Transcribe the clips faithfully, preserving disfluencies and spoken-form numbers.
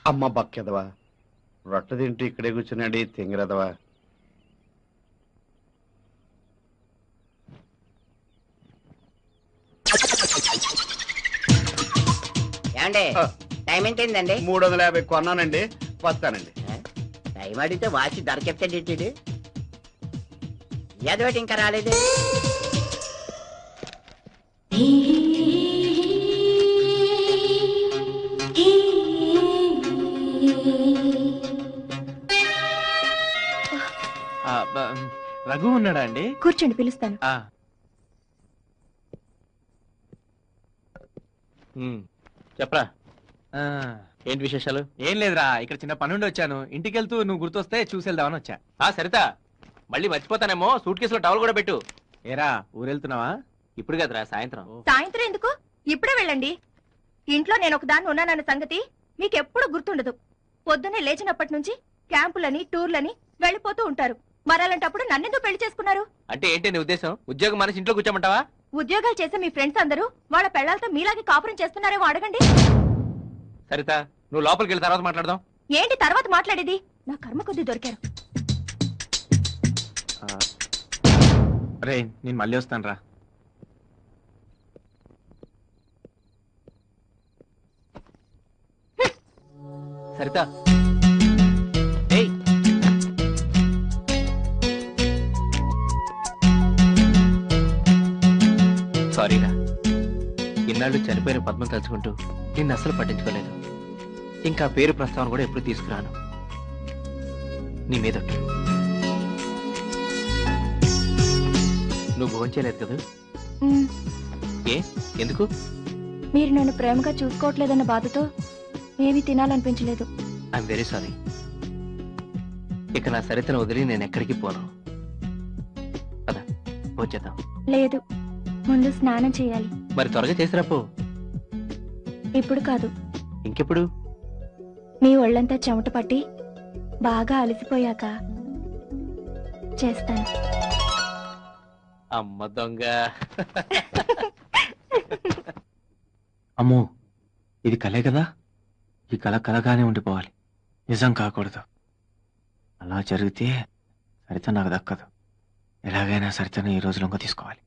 అమ్మ బక్కెదవా, రొట్ట తింటూ ఇక్కడే కూర్చున్నాడు తింగరదవా. టైం ఎంతైందండి? మూడు వందల యాభై కొన్నానండి, వస్తానండి. టైం అడిగితే వాచి ధర చెప్తాడు. ఏదోటి ఇంకా రాలేదు. రఘు ఉన్నాడా అండి? కూర్చోండి, పిలుస్తాను. చెప్పరా, ఏంటి విశేషాలు? ఏం లేదురా, ఇక్కడ చిన్న పనుండి వచ్చాను. ఇంటికి వెళ్తూ నువ్వు గుర్తొస్తే చూసి వెళ్దామని వచ్చా. సరితా, మళ్ళీ మర్చిపోతానేమో, సూట్ కేసులో టవల్ కూడా పెట్టు. ఏరా, ఊరెళ్తున్నావా? ఇప్పుడు కదరా, సాయంత్రం. సాయంత్రం ఎందుకు, ఇప్పుడే వెళ్ళండి. ఇంట్లో నేను ఒకదాన్ని ఉన్నానన్న సంగతి మీకెప్పుడు గుర్తుండదు. పొద్దున్నే లేచినప్పటి నుంచి క్యాంపులని టూర్లని వెళ్ళిపోతూ ఉంటారు. మరలాంటప్పుడు నన్నెందుకు పెళ్లి చేసుకున్నారు? అంటే ఏంటి నీ ఉద్దేశం? ఉద్యోగం మనసి ఇంట్లో కూర్చోమంటావా? ఉద్యోగాలు చేసే మీ ఫ్రెండ్స్ అందరూ వాళ్ళ పెళ్లాలతో మీలాగే కాపురం చేస్తున్నారేమో అడగండి. సరితా, నువ్వు లోపలికి వెళ్ళి తర్వాత మాట్లాడదాం. ఏంటి తర్వాత మాట్లాడేది? నా కర్మ కొద్దీ దొరికారు. రే, నేను మళ్ళీ వస్తాను రా. సరితా, సారీరా, ఇన్నాళ్ళు చనిపోయిన పద్మం తలుచుకుంటూ నిన్ను అస్సలు పట్టించుకోలేదు. ఇంకా పేరు ప్రస్తావన కూడా ఎప్పుడు తీసుకురాను. నీ మీద నువ్వు భోంచేయలేదు కదా? ఏ, ఎందుకు? మీరు నన్ను ప్రేమగా చూసుకోవట్లేదన్న బాధతో ఏమీ తినాలనిపించలేదు. I'm very sorry. ఇక నా సరితను వదిలి నేను ఎక్కడికి పోను. పద, భోంచేద్దాం. లేదు, ముందు స్నానం చేయాలి. మరి త్వరగా చేసిరా పో. ఇప్పుడు కాదు, ఇంకెప్పుడు? మీ ఒళ్ళంతా చెమట పట్టి బాగా అలసిపోయాక చేస్తాను. అమ్మ దొంగ. అమ్మో, ఇది కలే కదా? ఈ కళ కలగానే ఉండిపోవాలి, నిజం కాకూడదు. అలా జరిగితే సరిత నాకు దక్కదు. ఎలాగైనా సరితను ఈ రోజు లొంగ తీసుకోవాలి.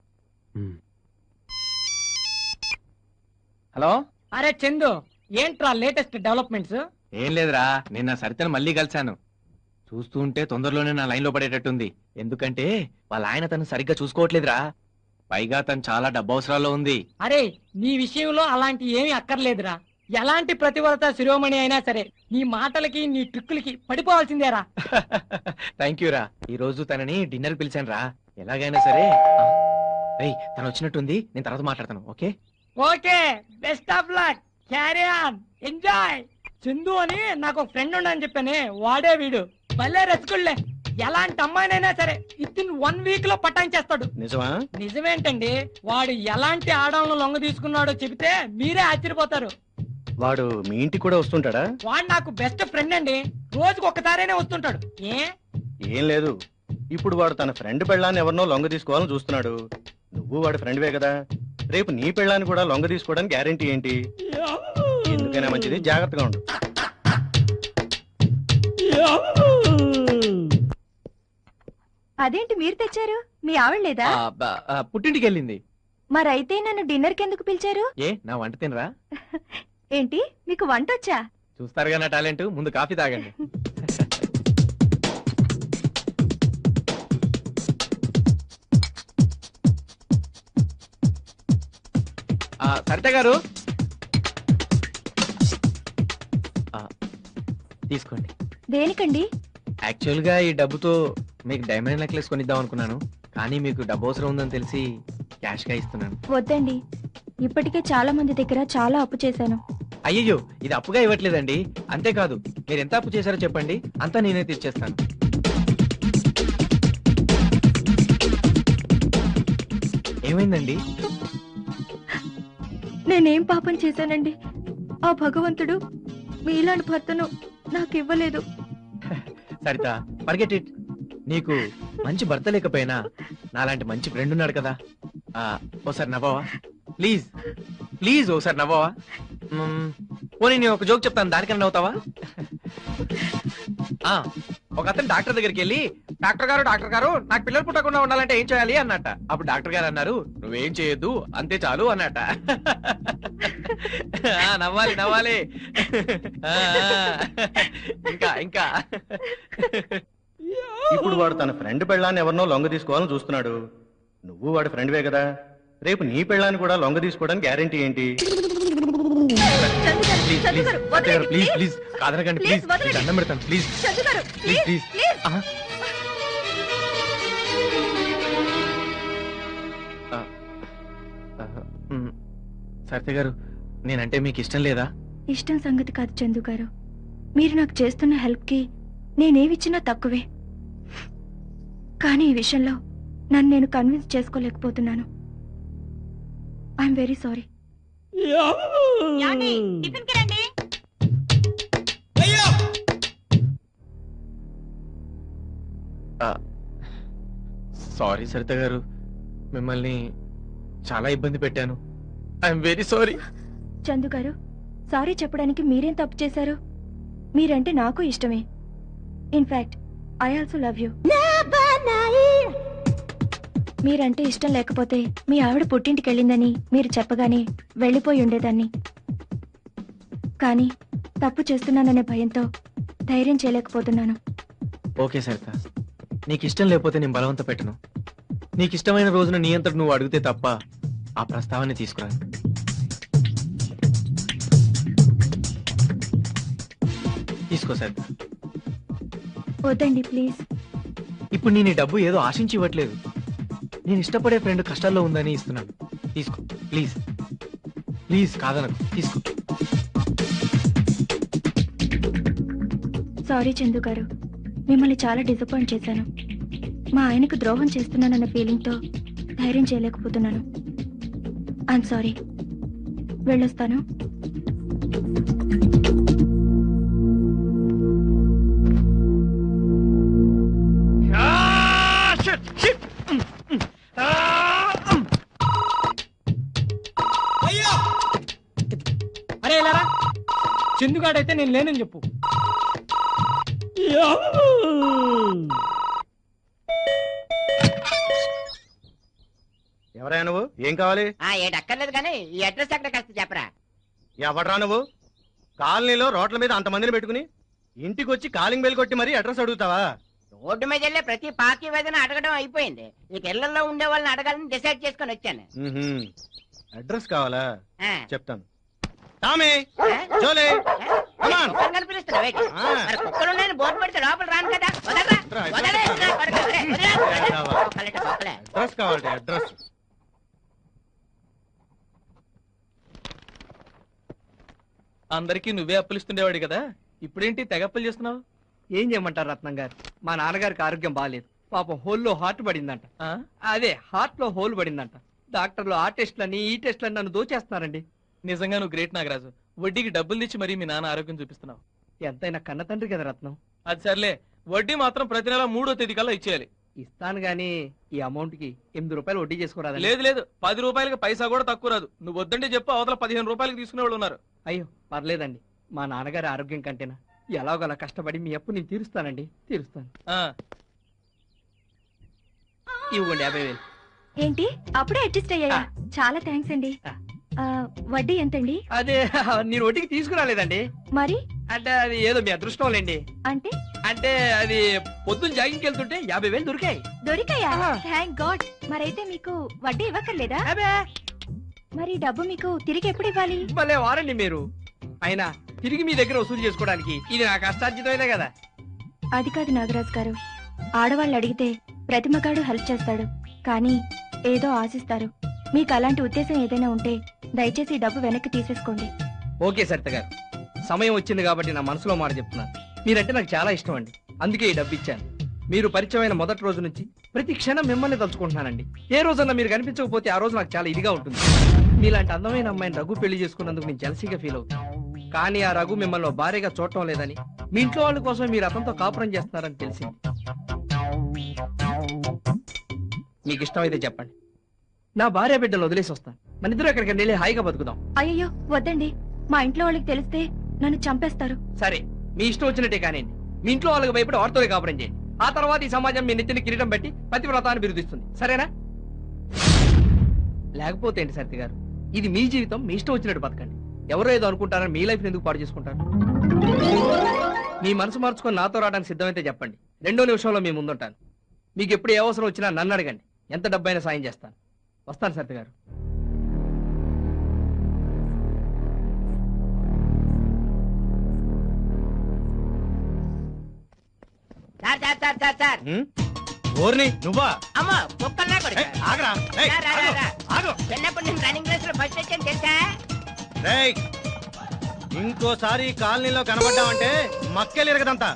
హలో, అరే చందు, ఏంట్రా లేటెస్ట్ డెవలప్మెంట్స్? ఏం లేదురా, నిన్న సరితను మళ్ళీ కలిశాను. చూస్తూ ఉంటే తొందరలోనే నా లైన్ లో పడేటట్టుంది. ఎందుకంటే వాళ్ళ ఆయన తను సరిగ్గా చూసుకోవట్లేదురా. పైగా తను చాలా డబ్బు అవసరాల్లో ఉంది. అరే, నీ విషయంలో అలాంటి ఏమీ అక్కర్లేదురా. ఎలాంటి ప్రతివరత శిరోమణి అయినా సరే నీ మాటలకి నీ ట్రిక్కులకి పడిపోవాల్సిందేరా. థ్యాంక్ యూ రా. ఈ రోజు తనని డిన్నర్ పిలిచాను రా. ఎలాగైనా సరే తను వచ్చినట్టుంది, నేను తర్వాత మాట్లాడతాను. Okay okay, best of luck, carry on, enjoy. Chandu అని నాకు ఒక ఫ్రెండ్ ఉండని చెప్పానే, వాడే వీడు. భలే రసికుళ్లే, ఎలాంటి అమ్మాయినైనా సరే విత్ ఇన్ వన్ వీక్ లో పటాయించేస్తాడు. నిజమా? నిజమేంటండి, వాడు ఎలాంటి ఆడవాళ్ళను లొంగ తీసుకున్నాడో చెబితే మీరే ఆశ్చర్యపోతారు. వాడు మీ ఇంటికి కూడా వస్తుంటాడా? వాడు నాకు బెస్ట్ ఫ్రెండ్ అండి, రోజుకు ఒక్కసారైనా వస్తుంటాడు. ఏ ఏం లేదు, ఇప్పుడు వాడు తన ఫ్రెండ్ పెళ్ళాన్ని ఎవరినో లొంగ తీసుకోవాలని చూస్తున్నాడు. నువ్వు వాడి ఫ్రెండ్వే కదా, రేపు నీ పెళ్ళాన్ని కూడా లొంగ తీసుకోవడానికి గ్యారెంటీ ఏంటి? ఎందుకైనా మంచిది, జాగ్రత్తగా ఉండు. అదేంటి మీరు తెచ్చారు? మీ ఆవిడ లేదా? పుట్టింటికి వెళ్ళింది. మరైతే నన్ను డిన్నర్ కి ఎందుకు పిలిచారు? ఏ, నా వంట తినరా? ఏంటి, మీకు వంట వచ్చా? చూస్తారుగా నా టాలెంట్. ముందు కాఫీ తాగండి. సరిత గారు తీసుకోండి. దేనికండి? యాక్చువల్ గా ఈ డబ్బుతో మీకు డైమండ్ నెక్లెస్ కొనిద్దాం అనుకున్నాను, కానీ మీకు డబ్బు అవసరం ఉందని తెలిసి క్యాష్ గా ఇస్తున్నాను. వద్దండి, ఇప్పటికే చాలా మంది దగ్గర చాలా అప్పు చేశాను. అయ్యో, ఇది అప్పుగా ఇవ్వట్లేదండి. అంతేకాదు, మీరు ఎంత అప్పు చేశారో చెప్పండి, అంతా నేనే తీర్చేస్తాను. ఏమైందండి? నేనేం పాపం చేశానండి? ఆ భగవంతుడు మీలాంటి భర్తను నాకు ఇవ్వలేదు. Sarita, forget it. నీకు మంచి భర్త లేకపోయినా నాలాంటి మంచి ఫ్రెండ్ ఉన్నాడు కదా. ఓసారి నవ్వవా ప్లీజ్? ప్లీజ్ ఓసారి నవ్వవా? పోనీ నేను ఒక జోక్ చెప్తాను, దానికన్నా అవుతావా? ఆ, ఒక అతను డాక్టర్ దగ్గరికి వెళ్ళి, డాక్టర్ గారు డాక్టర్ గారు నాకు పిల్లలు పుట్టకుండా ఉండాలంటే ఏం చేయాలి అన్నట్ట. అప్పుడు డాక్టర్ గారు అన్నారు, నువ్వేం చేయొద్దు అంతే చాలు అన్నట్ట. ఆ, నవ్వాలి నవ్వాలి. ఆ, ఇంకా ఇంకా ఇప్పుడు వాడు తన ఫ్రెండ్ పెళ్ళాన్ని ఎవరినో లొంగ తీసుకోవాలని చూస్తున్నాడు. నువ్వు వాడి ఫ్రెండ్వే కదా, రేపు నీ పెళ్ళాన్ని కూడా లొంగ తీసుకోవడానికి గ్యారెంటీ ఏంటి? ప్లీజ్ చందు ప్లీజ్ గారు, ప్లీజ్ వదలండి, ప్లీజ్ please. ప్లీజ్ కాదనకండి, Please, ప్లీజ్ వదలండి. దండం పెడతాను, ప్లీజ్ చందు గారు, please please please. Please. Sarita గారు, నేనంటే మీకు ఇష్టం లేదా? ఇష్టం సంగతి కాదు చందు గారు, మీరు నాకు చేస్తున్న హెల్ప్ కి నేనేమిచ్చినా తక్కువే. కానీ ఈ విషయంలో నన్ను నేను కన్విన్స్ చేసుకోలేకపోతున్నాను. I'm very sorry. Sorry Sarita గారు, మిమ్మల్ని చాలా ఇబ్బంది పెట్టాను. I'm very sorry. చందు గారు, సారీ చెప్పడానికి మీరేం తప్పు చేశారు? మీరంటే నాకు ఇష్టమే. In fact I also love you. మీరంటే ఇష్టం లేకపోతే మీ ఆవిడ పుట్టింటికి వెళ్ళిందని మీరు చెప్పగానే వెళ్ళిపోయి ఉండేదాన్ని. కానీ తప్పు చేస్తున్నాననే భయంతో ధైర్యం చేయలేకపోతున్నాను. ఓకే సరిత, నీకు ఇష్టం లేకపోతే నేను బలవంత పెట్టను. నీకు ఇష్టమైన రోజున నీ అంతటి నువ్వు అడిగితే తప్ప ఆ ప్రస్తావాన్ని తీసుకురాను. తీసుకో సరిత. వద్దండి ప్లీజ్. ఇప్పుడు నేను ఈ డబ్బు ఏదో ఆశించి ఇవ్వట్లేదు, నేను ఇష్టపడే ఫ్రెండ్ కష్టాల్లో ఉందని ఇస్తున్నాను. తీసుకో ప్లీజ్ ప్లీజ్, కాదనకు, తీసుకో. సారీ చందు గారు, మిమ్మల్ని చాలా డిసప్పాయింట్ చేశాను. మా ఆయనకు ద్రోహం చేస్తున్నానన్న ఫీలింగ్తో ధైర్యం చేయలేకపోతున్నాను. I'm sorry. వెళ్ళొస్తాను. అరే ఇలారా, చందుగాడైతే నేను లేనని చెప్పు. ఎవరైనా నువ్వు? ఏం కావాలి? ఆ ఏడు అక్కర్లేదు కానీ ఈ అడ్రస్ ఎక్కడ కాస్త చెప్పరా. ఎవడరా నువ్వు? కాలనీలో రోడ్ల మీద అంతమందిని పెట్టుకుని ఇంటికి వచ్చి కాలింగ్ బెల్ కొట్టి మరీ అడ్రస్ అడుగుతావా? రోడ్డు మీద వెళ్ళే ప్రతి పాకి వేదన అడగడం అయిపోయింది. ఇక ఇళ్లలో ఉండే వాళ్ళని అడగాలని డిసైడ్ చేసుకొని వచ్చాను. మ్మ్హ్మ్. అడ్రస్ కావాలా? ఆ. చెప్తాను. టామీ, ఆ? జోలే, come on. కుక్కలు కనిపిస్తున్నావు ఏంటి? ఆ. మరి కుక్కలు ఉన్నాయని బోర్డు పెడితే లోపల రాను కదా. వదలరా, రా, వదలరా, నా కొడుకు, వదలరా, వదలరా, కావాలి. వదలరా. కుక్కలంటే కుక్కలే. అడ్రస్ కావాలి, అడ్రస్. అందరికీ నువ్వే అప్పులు ఇస్తుండేవాడు కదా, ఇప్పుడేంటి తెగ అప్పులు చేస్తున్నావు? ఏం చేయమంటారు రత్నం గారు, మా నాన్నగారికి ఆరోగ్యం బాగాలేదు. పాపం హోల్లో హార్ట్ పడిందంట. ఆ? అదే హార్ట్ లో హోల్ పడిందంట. డాక్టర్లు ఆ టెస్ట్లని ఈ టెస్ట్లని నన్ను దోచేస్తున్నారండి. నిజంగా నువ్వు గ్రేట్ నాగరాజు. వడ్డీకి డబ్బులు తెచ్చి మరీ మీ నాన్న ఆరోగ్యం చూపిస్తున్నావు. ఎంతైనా కన్న తండ్రి కదా రత్నం. అది సర్లే, వడ్డీ మాత్రం ప్రతి నెల మూడో తేదీ కల్లా ఇచ్చేయాలి. ఇస్తాను గానీ ఈ అమౌంట్ కి ఎనిమిది రూపాయలు వడ్డీ చేసుకోరాదు. లేదు లేదు, పది రూపాయలకి పైసా కూడా తక్కువ రాదు. నువ్వు వద్దంటే చెప్పు, అవతల పదిహేను రూపాయలకి తీసుకునే వాళ్ళు ఉన్నారు. అయ్యో పర్లేదండి, మా నాన్నగారి ఆరోగ్యం కంటేనా ఎలాగోలా కష్టపడి మీ అప్పు నేను తీరుస్తానండి, తీరుస్తాను. ఆ, ఇవ్వండి యాభై వేలు. ఏంటి అప్పుడే అడ్జస్ట్ అయ్యాయా? చాలా థ్యాంక్స్ అండి. ఆ. ఆ, వడ్డీ ఎంతండి? అదే నేను వడ్డీకి తీసుకురాలేదండి. మరి అంటే అది ఏదో మీ అదృష్టం లేండి. అంటే అంటే అది పొద్దున్న జాగింగ్కి వెళ్తుంటే యాభై వేలు దొరికాయి. దొరికాయా? ఆహా. Thank God. మరైతే మీకు వడ్డీ ఇవ్వక్కర్లేదా? అబే మరి డబ్బు మీకు తిరిగి ఎప్పుడు ఇవ్వాలి? భలే వారండి మీరు. అయినా తిరిగి మీ దగ్గర వసూలు చేసుకోవడానికి ఇది నా కష్టార్జితమైనా కదా. అది కాదు నాగరాజు గారు, ఆడవాళ్ళు అడిగితే ప్రతి మగాడు హెల్ప్ చేస్తాడు, కానీ ఏదో ఆశిస్తారు. మీకు అలాంటి ఉద్దేశం ఏదైనా ఉంటే దయచేసి ఈ డబ్బు వెనక్కి తీసేసుకోండి. ఓకే సరిత గారు, సమయం వచ్చింది కాబట్టి నా మనసులో మాట చెప్తున్నాను. మీరంటే నాకు చాలా ఇష్టం అండి, అందుకే ఈ డబ్బు ఇచ్చాను. మీరు పరిచయమైన మొదటి రోజు నుంచి ప్రతి క్షణం మిమ్మల్ని తలుచుకుంటున్నానండి. ఏ రోజన్నా మీరు కనిపించకపోతే ఆ రోజు నాకు చాలా ఇదిగా ఉంటుంది. మీలాంటి అందమైన అమ్మాయిని రఘు పెళ్లి చేసుకున్నందుకు నేను జలసీగా ఫీల్ అవుతాను. కానీ ఆ రఘు మిమ్మల్ని భార్యగా చూడటం లేదని, మీ ఇంట్లో వాళ్ళ కోసం మీరు అతనితో కాపురం చేస్తున్నారని తెలిసింది. మీకు ఇష్టమైతే చెప్పండి, నా భార్య బిడ్డలు వదిలేసి వస్తాను. మన ఇద్దరు ఎక్కడికి వెళ్ళి హాయిగా బతుకుదాం. అయ్యో వద్దండి, మా ఇంట్లో వాళ్ళకి తెలిస్తే నన్ను చంపేస్తారు. సరే, మీ ఇష్టం వచ్చినట్టే కానివ్వండి. మీ ఇంట్లో వాళ్ళకి భయపడి వారితోనే కాపురం చేయండి. ఆ తర్వాత ఈ సమాజం మీ నెత్తిని కిరీటం పెట్టి పతివ్రతాన్ని బిరుదిస్తుంది. సరేనా? లేకపోతే ఏంటి సత్య గారు, ఇది మీ జీవితం, మీ ఇష్టం వచ్చినట్టు బతకండి. ఎవరో ఏదో అనుకుంటారని మీ లైఫ్ ఎందుకు పాడు చేసుకుంటారు? మీ మనసు మార్చుకొని నాతో రావడానికి సిద్ధమైతే చెప్పండి. రెండో నిమిషంలో మీ ముందుంటాను. మీకు ఎప్పుడు ఏ అవసరం వచ్చినా నన్ను అడగండి. ఎంత డబ్బైనా సాయం చేస్తాను. వస్తాను సత్య గారు. Sir sir sir sir sir హ్మ్? ఓర్ని నువ్వా? అమ్మో కుక్కల్లా కొడుకు. ఏయ్, ఆగరా. ఏయ్, రా, రా, రా, ఆగు, రా. ఆగు. చిన్నప్పుడు నేను రన్నింగ్ రేస్ లో ఫస్ట్ వచ్చాను తెలుసా? రేయ్, ఇంకోసారి ఈ కాలనీలో కనబడ్డావంటే మక్కెలు ఇరగదంతా.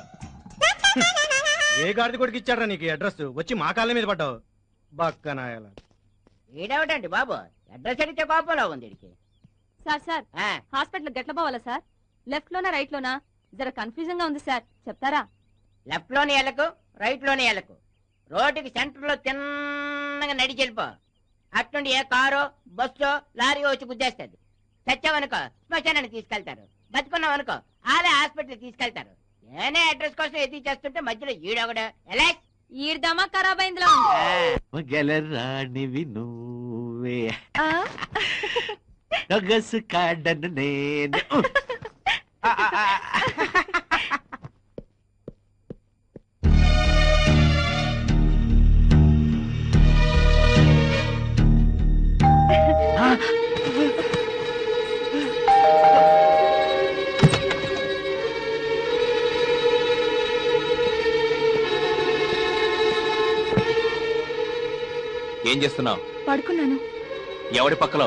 ఏ గాడిద కొడుకు ఇచ్చాడ్రా నీకు ఈ అడ్రస్? వచ్చి మా కాలనీ మీద పడ్డావు బక్కనాయాల. ఈడవటండి బాబు, అడ్రస్ అడిగితే కోపంలో ఉంది వీడికి. సార్ సార్ ఆ, హాస్పిటల్ గట్ల పోవాలా సార్? లెఫ్ట్ లోనా రైట్ లోనా? జర కన్ఫ్యూజన్ గా ఉంది సార్, చెప్తారా? లెఫ్ట్ లోని ఎలకు, రైట్ లోని ఎలకు. రోడ్డుకి సెంటర్ లో తిన్నగా నడిచి వెళ్ళిపో. అట్నుండి ఏ కారో బస్సో లారీ వచ్చి గుద్దేస్తుంది. చచ్చావనుకో శ్మశానానికి తీసుకెళ్తారు. బతుకున్నావనుకో ఆలే హాస్పిటల్ తీసుకెళ్తారు. నేనే అడ్రస్ కోసం ఎదురు చేస్తుంటే మధ్యలో ఈడొకడు ఎలా ఈడదమా ఖరాబ్ అయిందిలా గెలరానివి నువ్వే నగసు కాడను నేను. ఆ, ఆ, ఆ. ఏం చేస్తున్నావు? పడుకున్నాను. ఎవడి పక్కలో?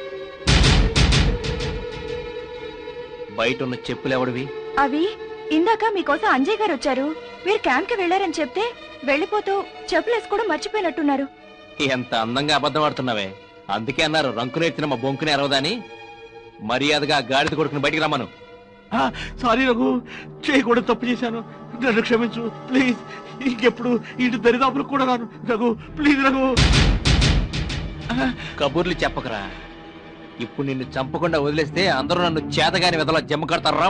బయట ఉన్న చెప్పులు ఎవడివి? అవి ఇందాక మీకోసం అంజయ్ గారు వచ్చారు. మీరు క్యాంప్ కి వెళ్లారని చెప్తే వెళ్ళిపోతూ చెప్పులు వేసుకోవడం మర్చిపోయినట్టున్నారు. ఎంత అందంగా అబద్ధం ఆడుతున్నావే. అందుకే అన్నారు రంకు నేర్చిన మా బొంకుని అరవదని. మర్యాదగా గాడిద కొడుకుని బయటికి రమ్మను. సారీ రఘు, చేయకూడదు, తప్పు చేశాను, నన్ను క్షమించు ప్లీజ్. ఇంకెప్పుడు ఇంటి దరిదాపులకు కూడా రాను రఘు, ప్లీజ్ రఘు. కబుర్లు చెప్పకరా. ఇప్పుడు నిన్ను చంపకుండా వదిలేస్తే అందరూ నన్ను చేతగాని వెదలా జమ్మ కడతారా?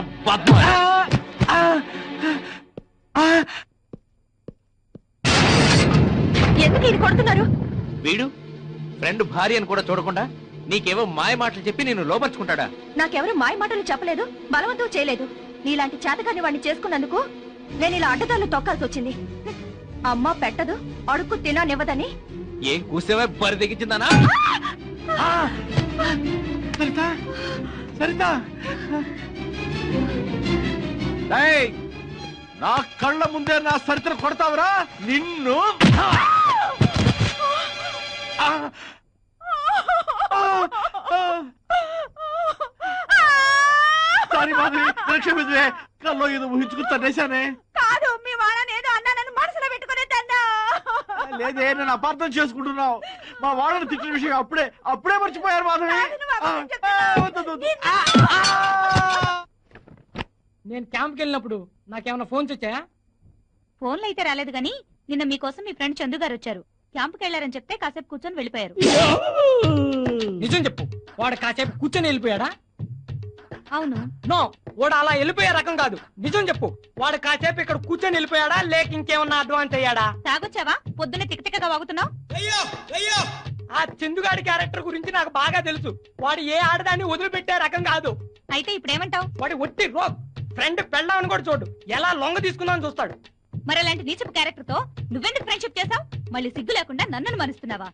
ఎందుకు ఇది కొడుతున్నారు? వీడు ఫ్రెండ్ భార్య అని కూడా చూడకుండా నీకేవో మాయ మాటలు చెప్పి నేను లోపరుచుకుంటాడా? నాకెవరు మాయ మాటలు చెప్పలేదు, బలవంతం చేయలేదు. నీలాంటి చేతగాని వాడిని చేసుకున్నందుకు నేను ఇలా అడ్డదారులు తొక్కాల్సి వచ్చింది. అమ్మ పెట్టదు, అడుక్కు తిననివ్వదని. ఏం కూసేవే బరి తెగించిందానా? సరిత, సరిత, నా కళ్ళ ముందే నా సరితను కొడతావురా నిన్ను? సారీ మాధవి, క్షమించే. కల్లో ఏదో ఊహించుకుని తన్నేశానే. కాదు, మీ వాళ్ళని ఏదో అన్నానని మనసులో పెట్టుకునే తన్నా. లేదే, నేను అపార్థం చేసుకుంటున్నావు. మా వాళ్ళని తిట్టిన విషయం అప్పుడే అప్పుడే మర్చిపోయారు మాధవి. నేను క్యాంప్కి వెళ్ళినప్పుడు నాకేమైనా ఫోన్స్ వచ్చాయా? ఫోన్లు అయితే రాలేదు గాని నిన్న మీకోసం మీ ఫ్రెండ్ చందు గారు వచ్చారు. క్యాంపుకి వెళ్లారని చెప్తే కాసేపు కూర్చొని వెళ్ళిపోయారు. నిజం చెప్పు, వాడు కాసేపు కూర్చొని వెళ్ళిపోయాడా? అవును. నో, వాడు అలా వెళ్ళిపోయే రకం కాదు. నిజం చెప్పు, వాడు కాసేపు ఇక్కడ కూర్చొని వెళ్ళిపోయాడా లేక ఇంకేమన్నా అడ్వాన్స్ అయ్యాడా? తాగొచ్చావా? పొద్దున్నే తిక్కతిక్కగా వాగుతున్నావు. ఆ చందుగాడి క్యారెక్టర్ గురించి నాకు బాగా తెలుసు. వాడు ఏ ఆడదాన్ని వదిలిపెట్టే రకం కాదు. అయితే ఇప్పుడేమంటావు? వాడి ఒట్టి రోగ్. ఫ్రెండ్ పెళ్ళామని కూడా చూడు, ఎలా లొంగ తీసుకుందామని చూస్తాడు. మరి అలాంటి నీచపు క్యారెక్టర్ తో నువ్వెందుకు ఫ్రెండ్షిప్ చేసావు? మళ్ళీ సిగ్గు లేకుండా నన్ను మరుస్తున్నావా?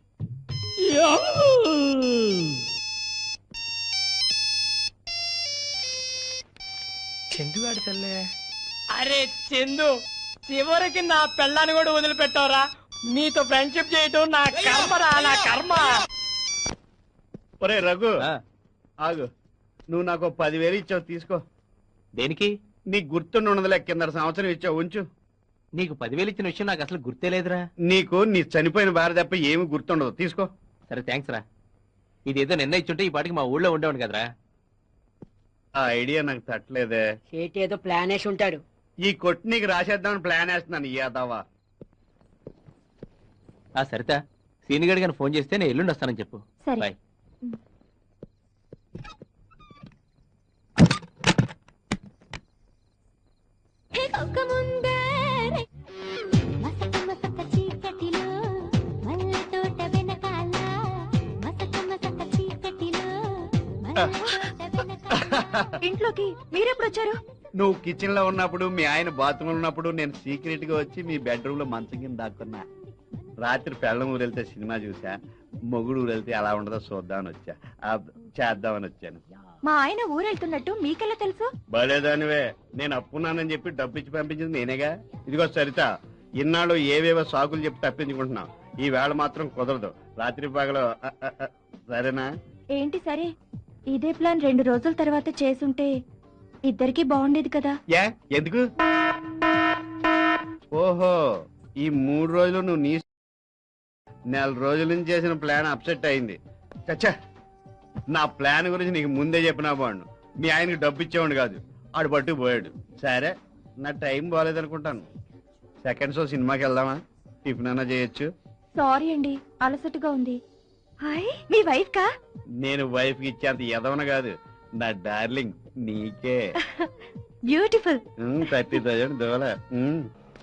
చందుగాడి తల్లే. అరే చందు, చివరికి నా పెళ్ళాన్ని కూడా వదిలిపెట్టావురా. నీతో ఫ్రెండ్షిప్ చేయటం నా కర్మరా, నా కర్మ. ఒరే రఘు, ఆ, ఆగు. నువ్వు నాకు ఓ పదివేలు ఇచ్చావు, తీసుకో. దేనికి? నీకు గుర్తుండి ఉండదులే, కింద సంవత్సరం ఇచ్చావు, ఉంచు. నీకు పదివేలు ఇచ్చిన విషయం నాకు అసలు గుర్తే లేదురా. నీకు నీ చనిపోయిన భార్య తప్ప ఏమి గుర్తుండదు, తీసుకో. సరే థ్యాంక్స్ రా. ఇదేదో నిన్న ఇచ్చుంటే ఈ పాటికి మా ఊళ్ళో ఉండేవాడు కదరా. ఆ ఐడియా నాకు తట్టలేదే. చేతి ఏదో ప్లాన్ వేసి ఉంటాడు. ఈ కొట్టి నీకు రాసేద్దామని ప్లాన్ వేస్తున్నాను. యాదవా. ఆ సరిత, సీనిగడి గారిని ఫోన్ చేస్తే నేను ఎల్లుండి వస్తానని చెప్పు. సరే. బాయ్. సోకముందే మసక మసక చీకటిలో మల్లె తోట వెనకాల మసక మసక చీకటిలో మల్లె తోట వెనకాల ఇంట్లోకి మీరెప్పుడు వచ్చారు? నువ్వు కిచెన్ లో ఉన్నప్పుడు మీ ఆయన బాత్రూమ్ ఉన్నప్పుడు నేను సీక్రెట్ గా వచ్చి మీ బెడ్రూమ్ లో మంచం కింద దాక్కున్నా. రాత్రి పెళ్ళం ఊరెళ్తే సినిమా చూసా, మొగుడు ఊరెళ్తే ఎలా ఉండదో చూద్దామని వచ్చా, ఆ, చేద్దామని వచ్చాను. మా ఆయన ఊరెళ్తున్నట్టు మీకెలా తెలుసు? బలేదానివే, నేను అప్పున్నానని చెప్పి డబ్బు ఇచ్చి పంపించింది నేనేగా. ఇదిగో సరిత, ఇన్నాళ్ళు ఏవేవో సాకులు చెప్పి తప్పించుకుంటున్నావు, ఈ వేళ మాత్రం కుదరదు. రాత్రి పగలు అ, అ, అ, సరేనా? ఏంటి సరే? ఇదే ప్లాన్ రెండు రోజుల తర్వాత చేసుంటే ఇద్దరికి బాగుండేది కదా. యా ఎందుకు? ఓహో, ఈ మూడు రోజులు నువ్వు నీ నెల రోజుల నుంచి చేసిన ప్లాన్ అప్సెట్ అయింది. చచ్చా, నా ప్లాన్ గురించి నీకు ముందే చెప్పినా బాగుండు. మీ ఆయనకి డబ్బు ఇచ్చేవాడు కాదు, ఆడు పట్టుకు పోయాడు. సరే, నా టైం బాగాలేదనుకుంటాను. సెకండ్ షో సినిమాకి వెళ్దామా? టిఫిన్ అన్నా చేయొచ్చు. సారీ అండి, అలసటగా ఉంది. హాయ్, మీ వైఫ్ కా? నేను వైఫ్ కి ఇచ్చేంత ఎదవన కాదు, నా డార్లింగ్ నీకే. బ్యూటిఫుల్. థర్టీ థౌజండ్ దోల. ఉమ్.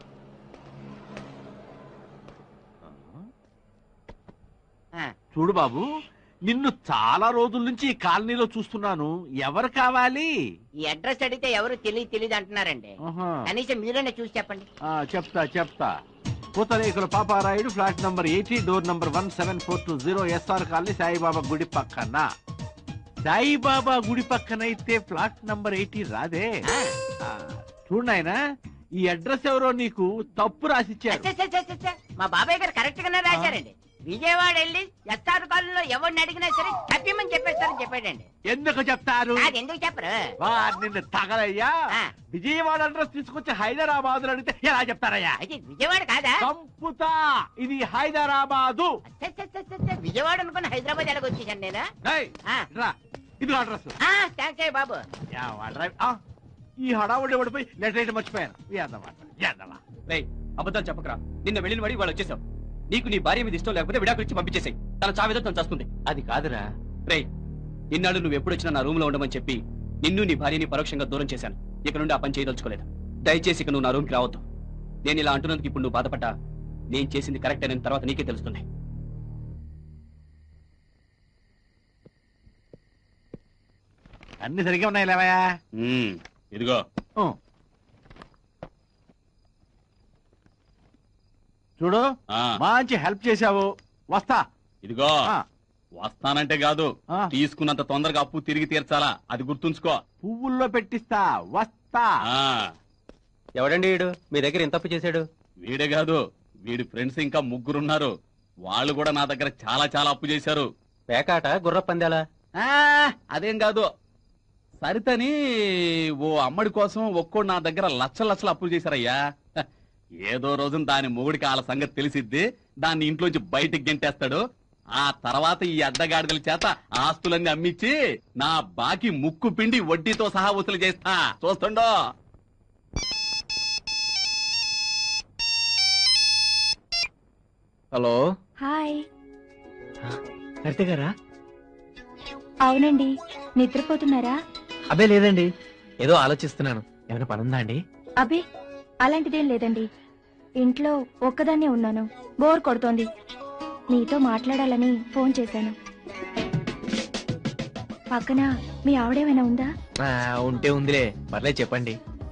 చూడు బాబు, నిన్ను చాలా రోజుల నుంచి ఈ కాలనీలో చూస్తున్నాను. ఎవరు కావాలి? ఈ అడ్రస్ అడిగితే ఎవరు తెలియదు తెలియదు అంటున్నారండి. ఆహా. కనీసం మీరైనా చూసి చెప్పండి. ఆ, చెప్తా చెప్తా పూతరేకుల Paparayudu, flat number eighty, door number one seven four two zero, SR colony, Saibaba గుడి పక్కన. సాయిబాబా గుడి పక్కన అయితే ఫ్లాట్ నంబర్ ఎయిటీ రాదే. ఆ, చూడు నాయనా, ఈ అడ్రస్ ఎవరో నీకు తప్పు రాసిచ్చారు. అచ్చ, అచ్చ, అచ్చ, అచ్చ. మా బాబాయ్ గారు కరెక్ట్ గానే రాశారండి. విజయవాడ వెళ్ళి ఎస్ఆర్ కాలనీలో ఎవరిని అడిగినా సరే తప్పిమని చెప్పేస్తారని చెప్పాడండి. ఎందుకు చెప్తారు? అది ఎందుకు చెప్పరు? వాడు నిన్ను తగలయ్యా. ఆ. విజయవాడ అడ్రస్ తీసుకొచ్చి హైదరాబాద్ అడిగితే ఎలా చెప్తారయ్యా? అది విజయవాడ కాదా? సంపుతా, ఇది హైదరాబాదు. అచ్చ, అచ్చ, అచ్చ, అచ్చ. విజయవాడ అనుకుని హైదరాబాద్ ఎలాగ వచ్చేసాను నేను? ఏయ్, ఆ. రా, ఇది అడ్రస్. ఆ, థాంక్స్ అయ్య బాబు. ఈ హడావుడి పడిపోయి లెటర్ అయితే మర్చిపోయాను. ఏదమ్మా, ఏదమ్మా. రేయ్, అబద్ధాలు చెప్పకరా. నిన్న వెళ్ళిన వాడి వాళ్ళు వచ్చేసావు. నీకు నీ భార్య మీద ఇష్టం లేకపోతే విడాకులు ఇచ్చి పంపించేసాయి. తన చావేదో తను చేస్తుంది. అది కాదురా. రేయ్, ఇన్నాళ్ళు నువ్వు ఎప్పుడు వచ్చినా నా రూమ్ లో ఉండమని చెప్పి నిన్ను నీ భార్యని పరోక్షంగా దూరం చేశాను. ఇక నుండి ఆ పని చేయదలుచుకోలేదు. దయచేసి ఇక నువ్వు నా రూమ్కి రావద్దు. నేను ఇలా అంటున్నందుకు ఇప్పుడు నువ్వు బాధపడ్డా నేను చేసింది కరెక్ట్ అయిన తర్వాత నీకే తెలుస్తుంది. అన్ని సరిగ్గా ఉన్నాయి లేవయా. ఉమ్, ఇదిగో చూడు, ఆ, మంచి హెల్ప్ చేశావు. వస్తా. ఇదిగో ఆ, వస్తానంటే కాదు, ఆ. తీసుకున్నంత తొందరగా అప్పు తిరిగి తీర్చాలా, అది గుర్తుంచుకో. పువ్వుల్లో పెట్టిస్తా. వస్తా. ఆ, ఎవడండి వీడు మీ దగ్గర ఎంత తప్పు చేశాడు? వీడే కాదు, వీడి ఫ్రెండ్స్ ఇంకా ముగ్గురున్నారు. వాళ్ళు కూడా నా దగ్గర చాలా చాలా అప్పు చేశారు. పేకాట, గుర్ర పందాలా? ఆ, అదేం కాదు, సరితని ఓ అమ్మడి కోసం ఒక్కోడు నా దగ్గర లక్షల లక్షలు అప్పులు చేశారయ్యా. హ, ఏదో రోజున దాని మొగుడికి వాళ్ళ సంగతి తెలిసిద్ది, దాన్ని ఇంట్లోంచి బయటికి గెంటేస్తాడు. ఆ తర్వాత ఈ అడ్డగాడిదల చేత ఆస్తులన్నీ అమ్మిచ్చి నా బాకీ ముక్కు పిండి వడ్డీతో సహా వసూలు చేస్తా. చూస్తుండో. Hello, hi. సరితే గారా? అవునండి, నిద్రపోతున్నారా? అబ్బే లేదండి, ఏదో ఆలోచిస్తున్నాను. ఏమైనా పనుందా అండి? అబే, అలాంటిదేం లేదండి. ఇంట్లో ఒక్కదాన్నే ఉన్నాను, బోర్ కొడుతోంది. నీతో మాట్లాడాలని ఫోన్ చేశాను. పక్కన మీ ఆవిడేమైనా ఉందా? ఆ, ఉంటే ఉందిలే, పర్లేదు చెప్పండి.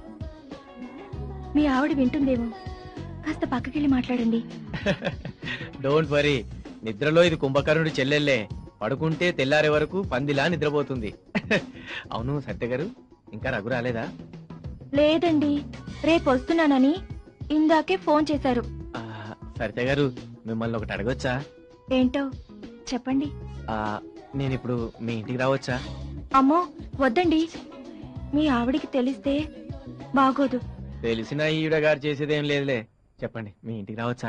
మీ ఆవిడ వింటుందేమో, కాస్త పక్కకెళ్ళి మాట్లాడండి. డోంట్ వరీ, నిద్రలో ఇది కుంభకర్ణుడి చెల్లెల్లే. పడుకుంటే తెల్లారే వరకు పందిలా నిద్రపోతుంది. అవును సత్య గారు, ఇంకా రఘు రాలేదా? లేదండి, రేపు వస్తున్నానని ఇందాకే ఫోన్ చేశారు. ఆ, సరిత గారు, మిమ్మల్ని ఒకటి అడగొచ్చా? ఏంటో చెప్పండి. ఆ, నేను ఇప్పుడు మీ ఇంటికి రావచ్చా? అమ్మో వద్దండి, మీ ఆవిడికి తెలిస్తే బాగోదు. తెలిసిన ఈవిడ గారు చేసేదేం లేదులే. చెప్పండి, మీ ఇంటికి రావచ్చా?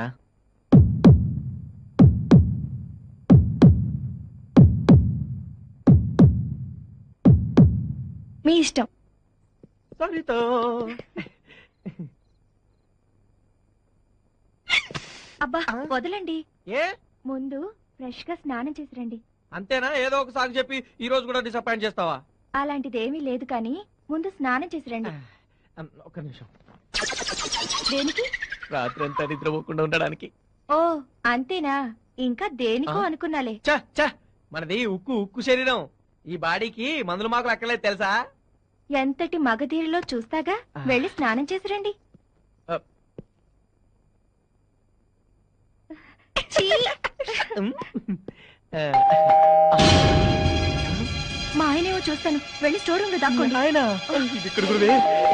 మీ ఇష్టం. సరిత, అబ్బా వదలండి, ఏ ముందు ఫ్రెష్ గా స్నానం చేసి రండి. అంతేనా? ఏదో ఒకసారి చెప్పి ఈ రోజు కూడా డిసప్పాయింట్ చేస్తావా? అలాంటిదేమీ లేదు కానీ ముందు స్నానం చేసి రండి. ఒక్క నిమిషం. దేనికి? రాత్రి అంతా నిద్రపోకుండా ఉండడానికి. ఓ అంతేనా? ఇంకా దేనికో అనుకున్నాలే. చ చ మనది ఉక్కు ఉక్కు శరీరం. ఈ బాడీకి మందులు మాకులు అక్కర్లేదు తెలుసా? ఎంతటి మగధీరిలో చూస్తాగా. వెళ్ళి స్నానం చేసి రండి. ఛీ! మా ఆయనేమో చూస్తాను. వెళ్ళి స్టోర్ రూమ్ లో దాక్కోండి. ఆయన ఇది ఇక్కడ గురువే.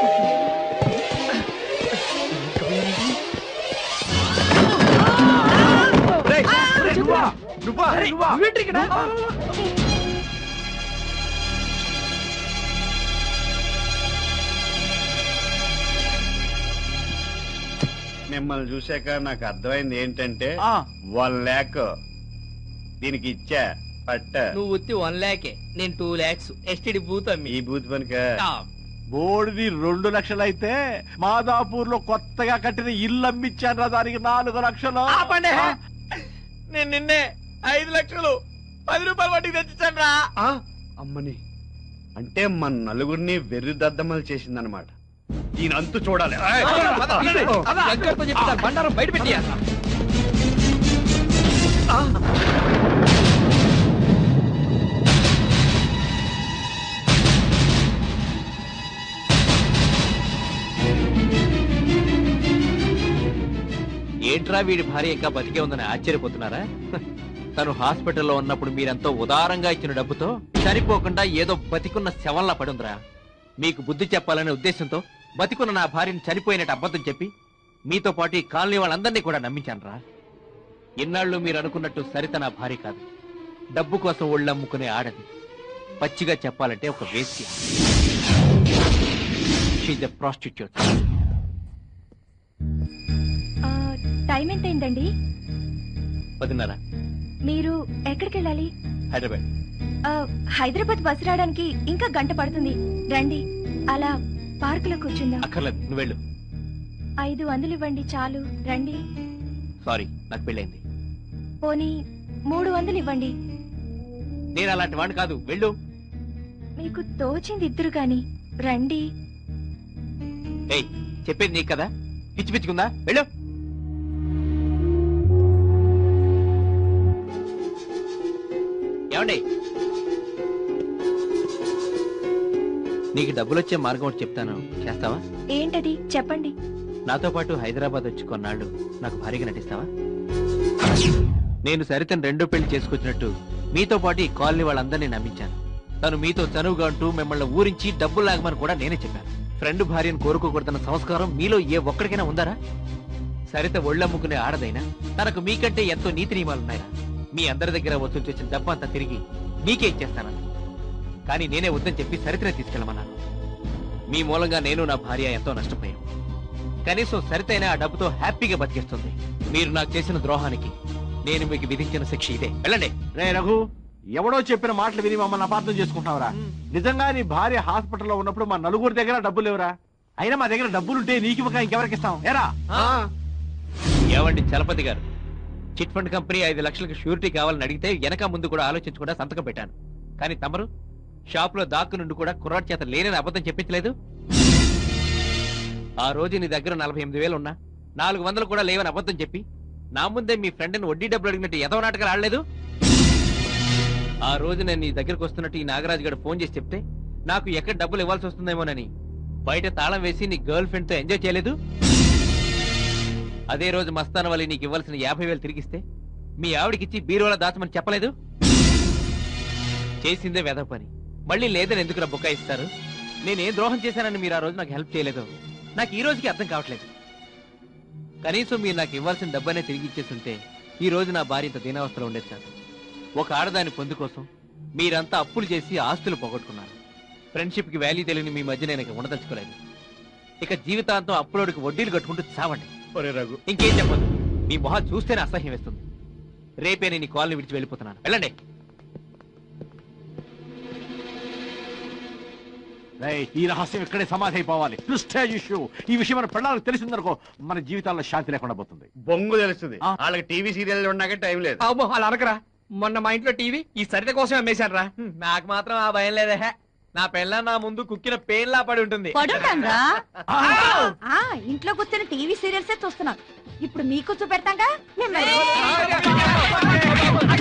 మిమ్మల్ని చూశాక నాకు అర్థమైంది ఏంటంటే ఆ, వన్ ల్యాక్ దీనికి ఇచ్చా పట్ట నువ్వు ఉత్తి వన్ ల్యాకే, నేను టూ ల్యాక్స్ ఎస్టిడి బూత్ అమ్మి. ఈ బూత్ పనిక బోర్డుది రెండు లక్షలైతే మాదాపూర్ లో కొత్తగా కట్టిన ఇల్లు అమ్మిచ్చాను దానికి నాలుగు లక్షలు. ఆపండి. నేను నిన్నే ఐదు లక్షలు పది రూపాయలు వడ్డీకి తెచ్చిచ్చాను రా. ఆ, అమ్మని అంటే మన నలుగురిని వెర్రి దద్దమ్మలు చేసిందనమాట. దీని అంతు చూడాలి. బండారం బయట పెట్టి ఏంట్రా వీడి భార్య ఇంకా బతికే ఉందని ఆశ్చర్యపోతున్నారా? తను హాస్పిటల్లో ఉన్నప్పుడు మీరెంతో ఉదారంగా ఇచ్చిన డబ్బుతో సరిపోకుండా ఏదో బతికున్న శవంలా పడుందిరా. మీకు బుద్ధి చెప్పాలనే ఉద్దేశంతో బతికున్న నా భార్యను చనిపోయినట్టు అబద్ధం చెప్పి మీతో పాటు ఈ కాలనీ వాళ్ళందరినీ కూడా నమ్మించానురా. ఇన్నాళ్ళు మీరు అనుకున్నట్టు సరిత నా భార్య కాదు, డబ్బు కోసం ఒళ్ళమ్ముకునే ఆడది. పచ్చిగా చెప్పాలంటే ఒక వేశ్య. She's a prostitute. టైం ఎంతైందండి? పదిన్నర. మీరు ఎక్కడికి వెళ్ళాలి? హైదరాబాద్. ఆ, హైదరాబాద్ బస్సు రావడానికి ఇంకా గంట పడుతుంది. రండి, అలా పార్క్ లో కూర్చుందాం. అక్కర్లేదు, నువ్వు వెళ్ళు. ఐదు వందలు ఇవ్వండి చాలు. రండి. సారీ, నాకు పెళ్ళైంది. పోనీ మూడు వందలు ఇవ్వండి. నేను అలాంటి వాడిని కాదు, వెళ్ళు. మీకు తోచింది ఇద్దరు గాని రండి. ఏయ్, చెప్పేది నీకు కదా, పిచ్చి పిచ్చుకుందా? వెళ్ళు. ఏమండి, నీకు డబ్బులు వచ్చే మార్గం ఒకటి చెప్తాను, చేస్తావా? ఏంటది చెప్పండి. నాతో పాటు హైదరాబాద్ వచ్చి కొన్నాళ్ళు నాకు భారీగా నటిస్తావా? నేను సరితను రెండో పెళ్లి చేసుకొచ్చినట్టు మీతో పాటు ఈ కాలనీ వాళ్ళందరినీ నమ్మించాను. తను మీతో చనువుగా ఉంటూ మిమ్మల్ని ఊరించి డబ్బులు లాగమని కూడా నేనే చెప్పాను. ఫ్రెండ్ భార్యను కోరుకోకూడదన్న సంస్కారం మీలో ఏ ఒక్కడికైనా ఉందారా? సరిత ఒళ్ళమ్ముకునే ఆడదైనా తనకు మీకంటే ఎంతో నీతి నియమాలున్నాయా? మీ అందరి దగ్గర వసూలు చేసిన డబ్బు అంతా తిరిగి మీకే ఇచ్చేస్తానని, కానీ నేనే వద్దని చెప్పి సరితనే తీసుకెళ్ళమన్నాను. మీ మూలంగా నేను నా భార్య ఎంతో నష్టపోయాను. కనీసం సరితైనా ఆ డబ్బుతో హ్యాపీగా బతికేస్తుంది. మీరు నాకు చేసిన ద్రోహానికి నేను మీకు విధించిన శిక్ష ఇదే. వెళ్ళండి. రే రఘు, ఎవడో చెప్పిన మాటలు విని మమ్మల్ని అపార్థం చేసుకుంటున్నావురా? నిజంగా నీ భార్య హాస్పిటల్లో ఉన్నప్పుడు మా నలుగురి దగ్గర డబ్బులు లేవురా. అయినా మా దగ్గర డబ్బులుంటే నీకు ఇవ్వక ఇంకెవరికి ఇస్తాం? ఏరా ఏవండి చలపతి గారు, చిట్ ఫండ్ కంపెనీ ఐదు లక్షలకు షూరిటీ కావాలని అడిగితే వెనక ముందు కూడా ఆలోచించకుండా సంతకం పెట్టాను. కానీ తమరు షాప్ లో దాక్కు నుండి కూడా కుర్రాడి చేత లేనని అబద్ధం చెప్పించలేదు. ఆ రోజు నీ దగ్గర నలభై ఎనిమిది వేలు ఉన్నా నాలుగు వందలు కూడా లేవని అబద్ధం చెప్పి నా ముందే మీ ఫ్రెండ్ని వడ్డీ డబ్బులు అడిగినట్టు ఎదవ నాటకాలు ఆడలేదు. ఆ రోజు నేను నీ దగ్గరకు వస్తున్నట్టు ఈ నాగరాజు గారు ఫోన్ చేసి చెప్తే నాకు ఎక్కడ డబ్బులు ఇవ్వాల్సి వస్తుందేమోనని బయట తాళం వేసి నీ గర్ల్ ఫ్రెండ్ తో ఎంజాయ్ చేయలేదు. అదే రోజు మస్తాన్ వల్లి నీకు ఇవ్వాల్సిన యాభై వేలు తిరిగిస్తే మీ ఆవిడకిచ్చి బీరువాల దాచమని చెప్పలేదు. చేసిందే వెధ పని, మళ్ళీ లేదని ఎందుకు బుక్క ఇస్తారు? నేనేం ద్రోహం చేశానని మీరు ఆ రోజు నాకు హెల్ప్ చేయలేదు. నాకు ఈ రోజుకి అర్థం కావట్లేదు. కనీసం మీరు నాకు ఇవ్వాల్సిన డబ్బనే తిరిగి ఇచ్చేస్తుంటే ఈ రోజు నా భార్య ఇంత దీనావస్థలో ఉండేది కాదు. ఒక ఆడదాని పొందు కోసం మీరంతా అప్పులు చేసి ఆస్తులు పోగొట్టుకున్నారు. ఫ్రెండ్షిప్ కి వాల్యూ తెలియని మీ మధ్య నేను ఇక ఉండదలుచుకోలేదు. ఇక జీవితాంతం అప్పులోడికి వడ్డీలు కట్టుకుంటూ చావండి. రఘు, ఇంకేం చెప్పదు. మీ మొహం చూస్తేనే అసహ్యం వేస్తుంది. రేపే నేను ఈ కాలనీ విడిచి వెళ్ళిపోతున్నాను. వెళ్ళండి. ఈ రహస్యం ఇక్కడే సమాధి అయిపోవాలి. Prestige issue. ఈ విషయం మన పిల్లలకు తెలిసిందనుకో మన జీవితాల్లో శాంతి లేకుండా పోతుంది. బొంగు తెలుస్తుంది. ఆ. వాళ్ళకి టీవీ సీరియల్ ఉన్నాక టైం లేదు. అబ్బో అలా అనకరా. మొన్న మా ఇంట్లో టీవీ ఈ సరిత కోసం అమ్మేశాను రా. నాకు మాత్రం ఆ భయం లేదే. నా పెళ్ళ నా ముందు కుక్కిన పేన్లా పడి ఉంటుంది. పడుంటాంరా ఆ ఇంట్లో కూర్చొని టీవీ సీరియల్సే చూస్తున్నాం. ఇప్పుడు మీకు చూపెడతాంగా మిమ్మల్ని.